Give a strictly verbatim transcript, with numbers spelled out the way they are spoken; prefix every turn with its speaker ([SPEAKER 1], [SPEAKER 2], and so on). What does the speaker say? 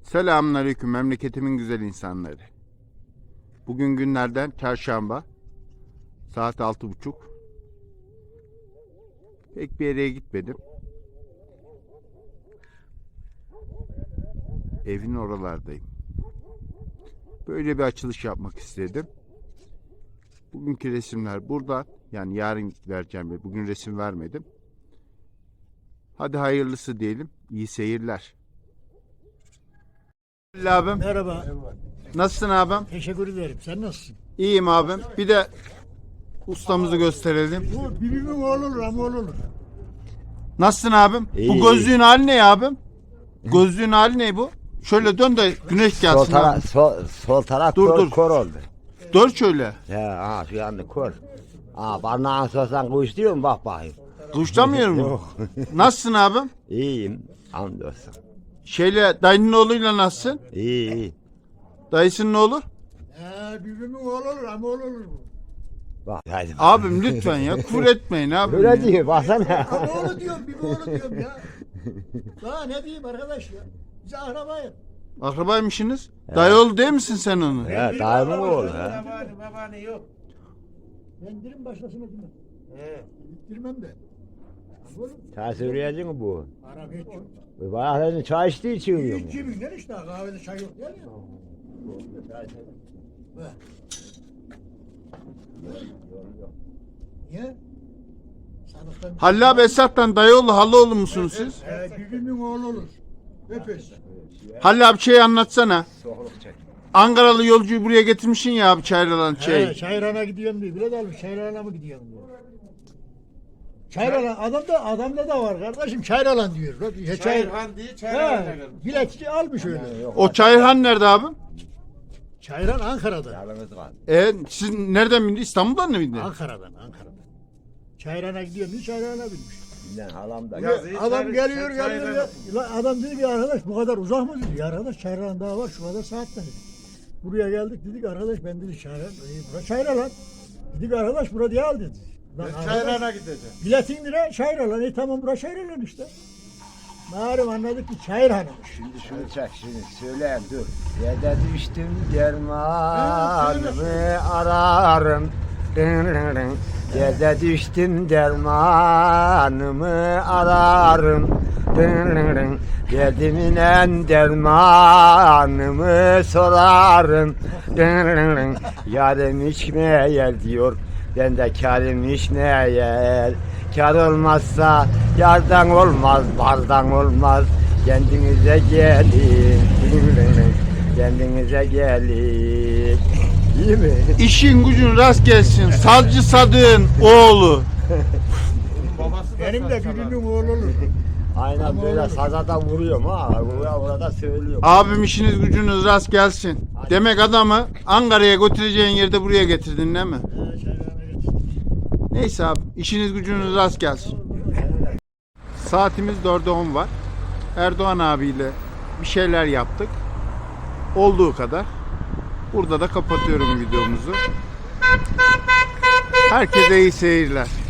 [SPEAKER 1] Selamünaleyküm memleketimin güzel insanları. Bugün günlerden çarşamba. Saat altı buçuk. Pek bir yere gitmedim. Evin oralardayım. Böyle bir açılış yapmak istedim. Bugünkü resimler burada. Yani yarın vereceğim. Bugün resim vermedim. Hadi hayırlısı diyelim. İyi seyirler. Abim.
[SPEAKER 2] Merhaba.
[SPEAKER 1] Nasılsın abim?
[SPEAKER 2] Teşekkür ederim. Sen nasılsın?
[SPEAKER 1] İyiyim abim. Bir de ustamızı gösterelim.
[SPEAKER 2] Bu birbirimin oğlu olur ama oğlu olur.
[SPEAKER 1] Nasılsın abim?
[SPEAKER 3] İyi,
[SPEAKER 1] Bu gözlüğün hali ne ya abim? Gözlüğün hali ne bu? Şöyle dön de güneş
[SPEAKER 3] Sol,
[SPEAKER 1] gelsin.
[SPEAKER 3] tara
[SPEAKER 1] abi.
[SPEAKER 3] sol, sol taraf
[SPEAKER 1] Dur,
[SPEAKER 3] kor,
[SPEAKER 1] dur.
[SPEAKER 3] kor oldu.
[SPEAKER 1] Dur şöyle.
[SPEAKER 3] He, ha şu yandı kor. Ha parmağını sorsan kuş diyor mu bak bakayım.
[SPEAKER 1] Duşlamıyor mu?
[SPEAKER 3] Yok.
[SPEAKER 1] Nasılsın abim?
[SPEAKER 3] İyiyim. Hamdolsun.
[SPEAKER 1] Şeyle dayının oğluyla nasılsın?
[SPEAKER 3] İyi iyi.
[SPEAKER 1] Dayısının oğlu?
[SPEAKER 2] He birbirimin oğlu olur ama oğlu olur bu.
[SPEAKER 3] Bak hadi. bak.
[SPEAKER 1] Abim lütfen ya küfür etmeyin abim.
[SPEAKER 3] Öyle
[SPEAKER 1] ya.
[SPEAKER 3] diyor baksana.
[SPEAKER 2] Ama oğlu diyorum, bir oğlu diyorum ya. Daha ne diyeyim arkadaş ya. Biz akrabayız.
[SPEAKER 1] Akrabaymışsınız. Dayı oğlu değil misin sen onu?
[SPEAKER 3] He dayımın oğlu ha.
[SPEAKER 4] Babaanne, babaanne yok.
[SPEAKER 2] Ben dirim başlasına gitmem.
[SPEAKER 4] He.
[SPEAKER 2] Gittirmem de. Ama oğlum
[SPEAKER 3] Sen söyleyecek mi bu?
[SPEAKER 2] Arap hiç yok.
[SPEAKER 3] Bayağı senin çay içtiği için yiyor mu?
[SPEAKER 2] İki binden işte kahvede çay yok yani. Be. Niye? Sanıktan
[SPEAKER 1] Halil abi Esat'tan dayıoğlu Halıoğlu musunuz siz?
[SPEAKER 2] He birbirimin oğlu olur. Öpes.
[SPEAKER 1] Halil abi şey anlatsana.
[SPEAKER 3] Soğuk çek.
[SPEAKER 1] Ankaralı yolcuyu buraya getirmişsin ya abi Çayralan
[SPEAKER 2] He,
[SPEAKER 1] şey.
[SPEAKER 2] Çayran'a gidiyorum diyor. Bile de almış Çayran'a mı gidiyorum diyor. Çayralan adamda adamda da var kardeşim Çayralan diyor. He, Çay,
[SPEAKER 4] Çayırhan diye çayırhan'a
[SPEAKER 2] he,
[SPEAKER 4] gelmiş.
[SPEAKER 2] biletçi almış öyle.
[SPEAKER 1] O Çayırhan nerede abim?
[SPEAKER 2] Çayran Ankara'da.
[SPEAKER 3] Yalnız var.
[SPEAKER 1] E siz nereden bindiniz? İstanbul'dan mı bindiniz?
[SPEAKER 2] Ankara'dan Ankara'dan. Çayran'a gidiyorum diye Çayran'a binmiş.
[SPEAKER 3] Bilen halam da.
[SPEAKER 4] Yazıyı
[SPEAKER 2] Adam
[SPEAKER 4] çayır-
[SPEAKER 2] geliyor
[SPEAKER 4] çay-
[SPEAKER 2] geliyor.
[SPEAKER 4] çayırhan-
[SPEAKER 2] Ya. Lan adam dedi ki arkadaş bu kadar uzak mı dedi. Ya arkadaş Çayran daha var şu kadar saatte dedi. Buraya geldik dedik arkadaş ben dedi Çayran. E, bura Çayran lan. Dedik arkadaş bura diye al dedi. Lan
[SPEAKER 4] Ben
[SPEAKER 2] arkadaş,
[SPEAKER 4] çayırhan'a gideceğim.
[SPEAKER 2] biletin lira Çayran lan. E tamam bura Çayran işte. Malum anladık ki Çayran'mış.
[SPEAKER 3] Şimdi şunu çek şimdi söyle dur. Yerde düştüm dermanımı ararım. Yerde düştüm dermanımı ararım. Derdimin en dermanımı sorarım. Yarım içmeye diyor. Ben de karım içmeye. Kar olmazsa yardan olmaz, bardan olmaz. Kendinize gelin. Kendinize gelin. İyi mi?
[SPEAKER 1] İşin gücün rast gelsin. Salcı Sadık'ın oğlu.
[SPEAKER 4] Babası da
[SPEAKER 2] Benim de
[SPEAKER 4] saçalar.
[SPEAKER 2] birbirimin oğlu olur.
[SPEAKER 3] Aynen böyle sazada vuruyorum ha. Buraya burada söylüyorum.
[SPEAKER 1] Abim işiniz gücünüz rast gelsin. Demek adamı Ankara'ya götüreceğin yerde buraya getirdin değil mi?
[SPEAKER 2] He Çayran'a geç.
[SPEAKER 1] Neyse abi işiniz gücünüz rast gelsin. Saatimiz dörde on var. Erdoğan abiyle bir şeyler yaptık. Olduğu kadar. Burada da kapatıyorum videomuzu. Herkese iyi seyirler.